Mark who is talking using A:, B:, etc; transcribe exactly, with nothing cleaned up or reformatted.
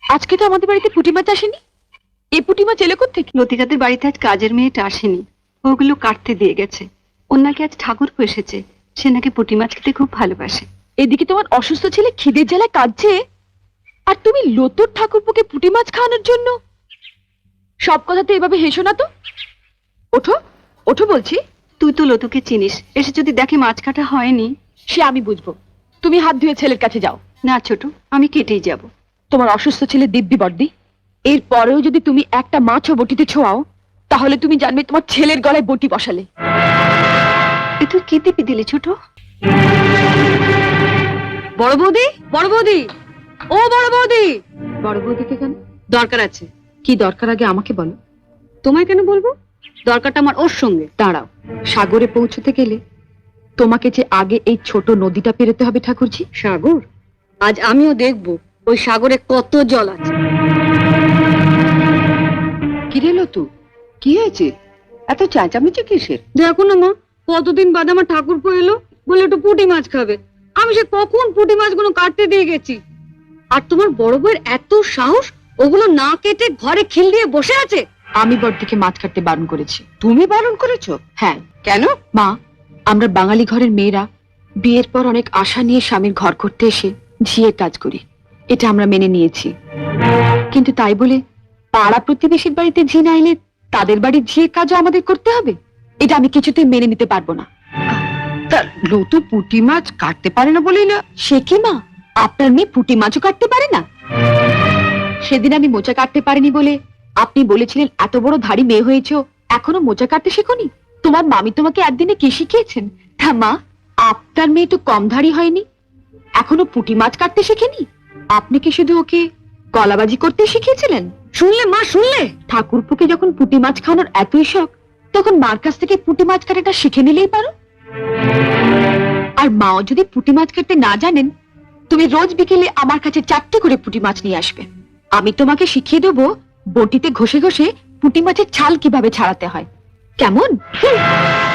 A: আজকে তো আমাদের বাড়িতে পুঁটি মাছ আসেনি। এই পুঁটি মাছ এলো কোত্থেকে?
B: লতিকাদের বাড়িতে আজ কাজের মেয়েটা আসেনি, ওগুলো কাটতে দিয়ে গেছে। ওর নাকি আজ ঠাকুর এসেছে, সে নাকি পুঁটি মাছ খেতে খুব ভালোবাসে।
A: এদিকে তোমার অসুস্থ ছেলে খিদের জ্বালায় কাঁদছে, আর তুমি লতুর ঠাকুরপোকে পুঁটি মাছ খাওয়ানোর জন্য। সব কথাতে এভাবে হেসো না তো। ওঠো ওঠো বলছি।
B: তুই তো লতুকে চিনিস, এসে যদি দেখে মাছ কাটা হয়নি।
A: সে আমি বুঝবো, তুমি হাত ধুয়ে ছেলের কাছে যাও।
B: না ছোট, আমি কেটেই যাব।
A: তোমার অসুস্থ ছেলে দিব্যি বর্দি, এর পরেও যদি তুমি একটা মাছও বটিতে ছোঁয়াও, তাহলে তুমি জানবে তোমার ছেলের গলায় বটি বসালে।
B: এ তুই কি দিবি দিলি ছোট?
C: বড় বৌদি, বড় বৌদি, ও বড় বৌদি।
A: বড় বৌদিকে কেন?
C: দরকার আছে।
A: কি দরকার আগে আমাকে বলো।
C: তোমায় কেন বলবো? দরকারটা আমার ওর সঙ্গে।
A: দাঁড়াও, সাগরে পৌঁছতে গেলে তোমাকে যে আগে এই ছোট নদীটা পেরোতে হবে ঠাকুরজি।
C: সাগর? আজ আমিও দেখবো ওই সাগরে কত জল আছে।
A: কি রে লতু, কি হয়েছে? এত চেঁচামেচি কিসের?
C: দেখো না মা, কতদিন বাদে আমার ঠাকুরপো এলো, বলে একটু পুঁটি মাছ খাবে। আমি সে কখন পুঁটি মাছগুলো কাটতে দিয়ে গেছি, আর তোমার বড় বউয়ের এত সাহস, ওগুলো না কেটে ঘরে খিল দিয়ে বসে আছে।
A: আমি বড়দিকে মাছ কাটতে বারণ করেছি।
D: তুমি বারণ করেছো?
A: হ্যাঁ।
D: কেন?
A: মা, আমরা বাঙালি ঘরের মেয়েরা বিয়ের পর অনেক আশা নিয়ে স্বামীর ঘর করতে এসে ঝিয়ে কাজ করি, এটা আমরা মেনে নিয়েছি। কিন্তু তাই বলে পাড়া প্রতিবেশীর বাড়িতে ঝি না এলে তাদের বাড়ির ঝিয়ে কাজও আমাদের করতে হবে? এটা আমি কিছুতেই মেনে নিতে পারবো না।
D: তা লতু পুঁটি মাছ কাটতে পারে না বলেই না?
A: সে কি মা, আপনার মেয়ে পুঁটি মাছও কাটতে পারে না? সেদিন আমি মোচা কাটতে পারিনি বলে আপনি বলেছিলেন এত বড় ধাড়ি মেয়ে হয়েছ, এখনো মোচা কাটতে শেখনি? তোমার মামি তোমাকে একদিনে কি শিখিয়েছেন? তা মা, আপনার মেয়ে তো কম ধাড়ি হয়নি, এখনো পুঁটি মাছ কাটতে শেখেনি। আপনি কি শুধু ওকে গলাবাজি করতে শিখিয়েছিলেন?
C: শুনলে মা, শুনলে?
A: ঠাকুরপুকে যখন পুঁটি মাছ খাওয়ানোর এতই শখ, তখন মার কাছ থেকে পুঁটি মাছ কাটাটা শিখে নিলেই পারো। আর মাও যদি পুঁটি মাছ কাটতে না জানেন, তুমি রোজ বিকেলে আমার কাছে চারটে করে পুঁটি মাছ নিয়ে আসবে। আমি তোমাকে শিখিয়ে দেবো বটিতে ঘষে ঘষে পুঁটি মাছের ছাল কিভাবে ছাড়াতে হয়। কেমন?